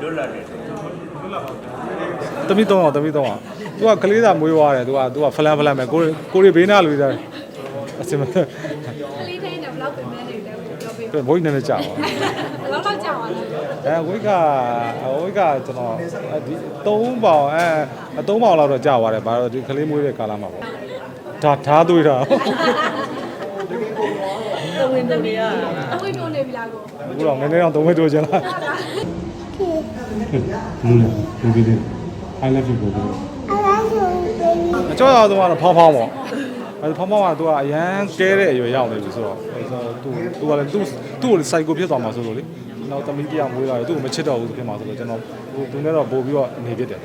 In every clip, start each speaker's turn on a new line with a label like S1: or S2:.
S1: လွတ်လပ်တယ်
S2: တမိတော့သူကကလေးသာမွေးသွားတယ်သူကဖလန်ပဲကိုရီဘေးနာလူသားအစင်မ
S3: ကလေးတိုင်းတော့ဘလောက်ပြင်နေတယ်ပြောပေး
S2: ဘိုးကြီးနဲ့ကြာပါ
S3: ဘလောက်တော့ကြာပါလဲ
S2: ဝိတ်ကကျွန်တော်ဒီ3ပေါင်3ပေါင်လောက်တော့ကြာသွားတယ်ဘာလို့ဒီကလေးမွေးတဲ့ကာလမှာပေါ့ဒါဓာသွေးတာ
S3: အဝင်းတို့ရအဝင်းတို့နေပြီလားကို
S2: အခုတော့နည်းနည်းတော့3ဝက်တိုးချင်လားလူဒီ I love you ကိုအကျော်ရတော့ဖောင်းပေါ့ဖောင်းကသူကအရန်ကဲတဲ့အရွယ်ရောက်နေပြီဆိုတော့သူကလည်းသူ့ကိုစိုက်ကိုဖြစ်သွားမှာဆိုလို့လေနောက်သမီးတရားမွေးလာတယ်သူ့ကိုမချစ်တော့ဘူးဖြစ်မှာဆိုတော့ကျွန်တော်သူနဲ့တော့ပို့ပြီးတော့နေဖြစ်တယ်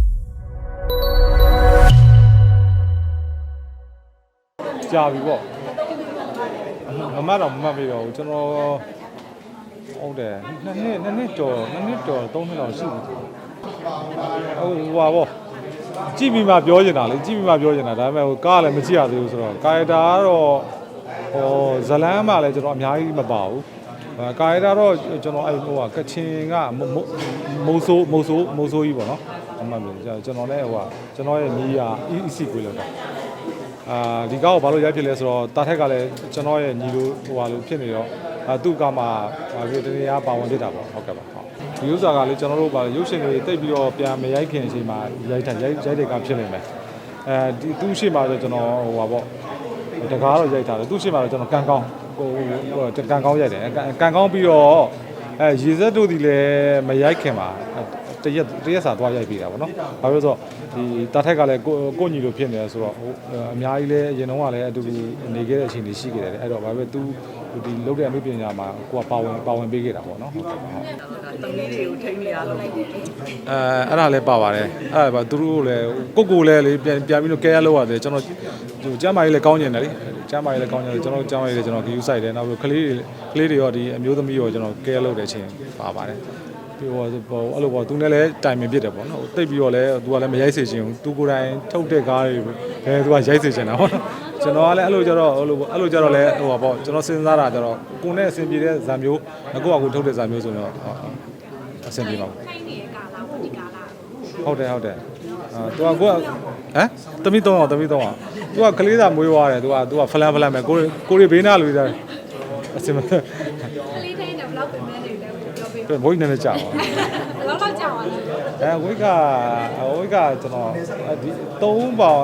S2: ကြာပြီပေါ့မမတ်ပြီးတော့ကျွန်တော်ဟုတ်တယ်နှစ်နှစ်ကျော်3နှစ်လောက်ရှိပြီဟိုပါပေါ့ကြည့်ပြီးမှပြောနေတာလေဒါပေမဲ့ကားလည်းမကြည့်ရသေးဘူးဆိုတော့ကာရီတာကတော့ဇလန်းမှလည်းကျွန်တော်အများကြီးမပါဘူးကာရီတာတော့ကျွန်တော်ကချင်ကမိုးဆိုးကြီးပေါ့နော်အမှန်ပဲကျွန်တော်လည်းကျွန်တော်ရဲ့မိယာ EC ကိုလောက်တာဒီကားကိုဘာလို့ရိုက်ဖြစ်လဲဆိုတော့တာထက်ကလည်းကျွန်တော်ရဲ့ညီလိုလိုဖြစ်နေတော့သူ့ကမှဒီတနေ့ပါဝင်ဖြစ်တာပေါ့ဟုတ်ကဲ့ပါဒီဥစ္စာကလေကျွန်တော်တို့ရုပ်ရှင်တွေတိတ်ပြီးတော့ပြန်မရိုက်ခင်အချိန်မှာရိုက်တဲ့ကဖြစ်နေမယ်ဒီသူ့ရှေ့မှာဆိုကျွန်တော်ပေါ့တကားတော့ရိုက်ထားတယ်သူ့ရှေ့မှာတော့ကျွန်တော်ကန်ကောင်းရိုက်တယ်ကန်ကောင်းပြီးတော့ရေစက်တို့ဒီလည်းမရိုက်ခင်မှာတရက်စာသွားရိုက်ပြီးတာပေါ့နော်ဘာလို့ဆိုတော့ဒီတာထက်ကလည်းကိုညီလိုဖြစ်နေတယ်ဆိုတော့အများကြီးလည်းအရင်တုန်းကလည်းအတူတူနေခဲ့တဲ့အချိန်တွေရှိခဲ့တယ်အဲ့တော့ဘာပဲသူဒီလုပ်တဲ့အမှုပညာမှာကိုကပါဝင်ပေးခဲ့တာပေါ့နော်ဟုတ်ကဲ့ပါ
S3: သမီးတွေကိုထိန်းနေရလို့
S2: အဲ့ဒါလည်းပါပါတယ်အဲ့ဒါသူတို့လည်းကိုလည်းလေပြန်ပြီးတော့ကဲရလောက်ရတယ်ကျွန်တော်ကျမ်းမာရေးလည်းကောင်းကျင်တယ်လေကျမ်းမာရေးလည်းကောင်းကျင်တယ်ကျွန်တော်ကျမ်းမာရေးလည်းကျွန်တော်ဂယူဆိုင်တယ်နောက်ပြီးကလေးတွေရောဒီအမျိုးသမီးရောကျွန်တော်ကဲရလောက်တဲ့အချိန်ပါပါတယ်အဲ့လိုပေါ့သူနဲ့လည်းတိုင်ပင်ဖြစ်တယ်ပေါ့နော်တိတ်ပြီးတော့လည်းသူကလည်းမရိုက်စေချင်ဘူးသူကိုယ်တိုင်ထုတ်တဲ့ကားတွေသူကရိုက်စေချင်တာပေါ့နော်ကျွန်တော်ကလည်းအဲ့လိုကြတော့လည်းပေါ့ကျွန်တော်စဉ်းစားတာကြတော့ကိုနဲ့အဆင်ပြေတဲ့ဇာမျိုးကိုထုတ်တဲ့ဇာမျိုးဆိုတော့အဆင်ပြေပါဘူး
S3: ထိုင်းနေတဲ့ကာလာဒီကာလာ
S2: ဟုတ်တယ်သူကတမိတော့သူကကလေးသာမွေးသွားတယ်သူကဖလန်ပဲကိုရီဘေးနာလူသားအစင်မ
S3: ကလေးတိုင်းတော့ဘလောက်ပြင်နေတယ်ပြောပေး
S2: ဘိုးကြီးနဲ့ကြာပါ
S3: ဘလောက်တော့ကြာပါလဲ
S2: ဝိတ်ကကျွန်တော်ဒီ3ပေါင်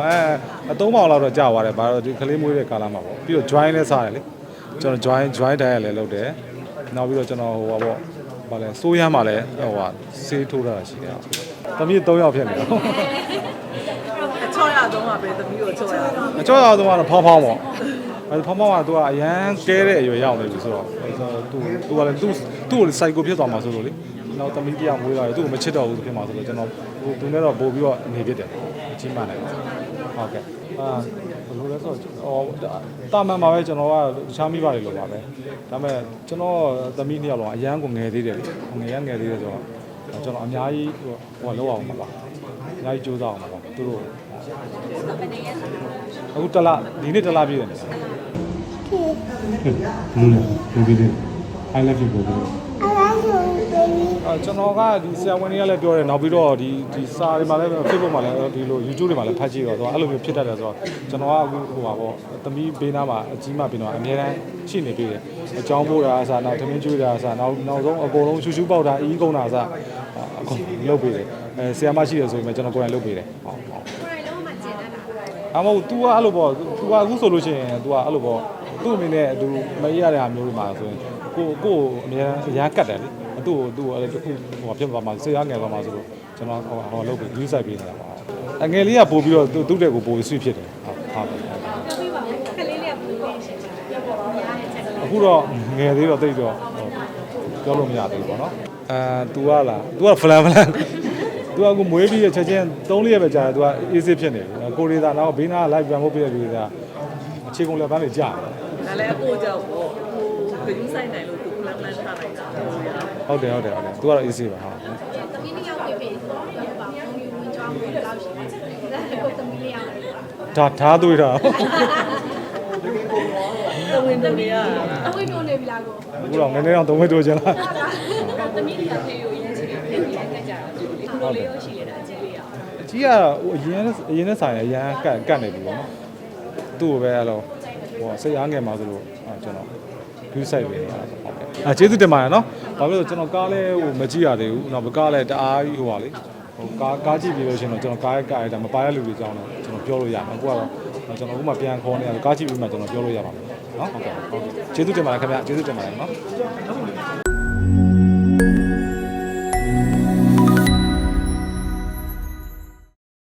S2: 3ပေါင်လောက်တော့ကြာသွားတယ်ဘာလို့ဒီကလေးမွေးတဲ့ကာလမှာပေါ့ပြီးတော့ join လည်းစားတယ်လေကျွန်တော် join တိုင်းရလည်းလုပ်တယ်နောက်ပြီးတော့ကျွန်တော်ဗာလဲစိုးရမ်းမှလည်းဆေးထိုးတာရှိတယ်သမီး3ယောက်ဖြစ်နေတယ်
S3: အချောရတော့မှာပဲသမီးကိုချောရ
S2: အချောရတော့ဖောင်းပေါ့ဖောင်းကသူကအရန်ကဲတဲ့အရွယ်ရောက်နေပြီဆိုတော့သူကလည်းသူ့ကိုစိုက်ကိုဖြစ်သွားမှာဆိုလို့လေနောက်သမီးတရားမွေးလာတယ်သူ့ကိုမချစ်တော့ဘူးဖြစ်မှာဆိုတော့ကျွန်တော်သူနဲ့တော့ပို့ပြီးတော့နေဖြစ်တယ်အချင်းမှလည်းဟုတ်ကဲ့ဘယ်လိုလဲဆိုတော့တာမန်ပါပဲကျွန်တော်ကချားမိပါတယ်လို့ပါပဲဒါပေမဲ့ကျွန်တော်သမီး2ယောက်လုံးအရန်ကိုငယ်သေးတယ်လေငယ်သေးတယ်ဆိုတော့ကျွန်တော်အများကြီးလောက်အောင်ပါပါအများကြီးကြိုးစားအောင်ပါသူတို့အခုဒီနေ့တလပြည့်တယ်လူဒီ I love you ကိုကျွန်တော်ကဒီဆရာဝန်တွေကလည်းပြောတယ်နောက်ပြီးတော့ဒီစာတွေမှာလည်း Facebook မှာလည်းဒီလို YouTube တွေမှာလည်းဖတ်ကြည့်တော့အဲ့လိုမျိုးဖြစ်တတ်တယ်ဆိုတော့ကျွန်တော်ကအခုပေါ့သမီးဘေးနားမှာအကြီးမဘေးနားအများတန်းရှိနေပြီတယ်အကြောင်းပို့တာအစားနောက်သမင်းကျွေးတာအစားနောက်ဆုံးအကုန်လုံးရှူပေါက်တာအီးကုန်တာအစားအကုန်လုပ်ပေးတယ်ဆရာမရှိတယ်ဆိုရင်ကျွန်တော်ကိုယ်တိုင်လုပ်ပေးတယ်ဟုတ်
S3: ကိုယ်တိုင်လုံးမှကျင်တတ်တာ
S2: အမဟုတ် तू ကအဲ့လိုပေါ့ तू ကအခုဆိုလို့ရှိရင် तू ကအဲ့လိုပေါ့သူ့အနေနဲ့သူမရတဲ့ဟာမျိုးတွေမှာဆိုရင်ကိုအများအရန်ကတ်တယ်လေသူ့အဲ့တခုဖြစ်သွားမှာဆေးရငယ်သွားမှာဆိုလို့ကျွန်တော်လုပ်ပြီး view site ပေးနေတာပါအငယ်လေးကပို့ပြီးတော့သူ့တဲ့ကိုပို့ပြီး switch ဖြစ်တယ်ဟုတ်
S3: ပြောပြပါဦးခလေးလေးကဘယ်လိုလဲရှင်းပြောပြပါဦးများတဲ့ချက်
S2: အခုတော့ငယ်သေးတော့တိတ်တော့ပြောလို့မရသေးဘူးပေါ့နော်तू ကလား तू ကဖလန်तू ကအခုမွေးပြီးချက်ချင်း3-4ရက်ပဲကြာတယ် तू က easy ဖြစ်နေပြီကိုရီးသာနောက်ဘေးနား live ပြန်ဖို့ပြည့်တယ်ကအခြေကုန်လက်ပန်းတွေကြာ
S3: တယ်ဒါလည်းအကိုကြောက်ပေါ့ဟိုဘယ်ဆိုင်နိုင်လို့သူလမ်းထားလိုက်တာ
S2: ဟုတ်တယ် तू ကတော့ easy ပါဟုတ်
S3: သမီး2ယောက်ပြည့်ပြောပါဘုံယူဝင်ကြောင်းဘယ်လောက်ရှိလဲကိုသမီးလေးယောက်
S2: ဓာသွေးတာ
S3: အဝင်းတို့ရအဝင်းတို့နေပြီလားကို
S2: အခုတော့နည်းနည်းတော့3ဝက်တိုးချင်လား
S3: သမီးလေးကဖေးကိုရင်းချင်တယ်
S1: လေးကိုလည်းကတ်ကြတော့ဒီလိုလေးရောရှိနေတာအကြည့်လေးရအောင်
S2: အကြီးကဟိုအရင်နဲ့ဆိုင်အရန်ကတ်နေပြီပေါ့နော်သူ့ကိုပဲအဲ့လိုဟိုစိတ်အားငယ်မှာဆိုလို့ကျွန်တော် view site ပဲနေတာဟုတ်ကဲ့ကျေးဇူးတင်ပါတယ်နော်ဘာဖြစ်လို့ကျွန်တော်ကားလဲဟိုမကြည့်ရသေးဘူးနောက်ကားလဲတအားကြီးဟိုပါလေဟိုကားကြည့်ပြီးလို့ရှိရင်တော့ကျွန်တော်ကားရဲ့ကားရတာမပါရလူတွေကြောင်းတော့ကျွန်တော်ပြောလို့ရမှာအခုကတော့ကျွန်တော်အခုမှပြန်ခေါ်နေရတယ်ကားကြည့်ပြီးမှကျွန်တော်ပြောလို့ရပါမယ်နော်ဟုတ်ကဲ့ကျေးဇူးတင်ပါတယ်ခင်ဗျကျေးဇူးတင်ပါတယ်နော်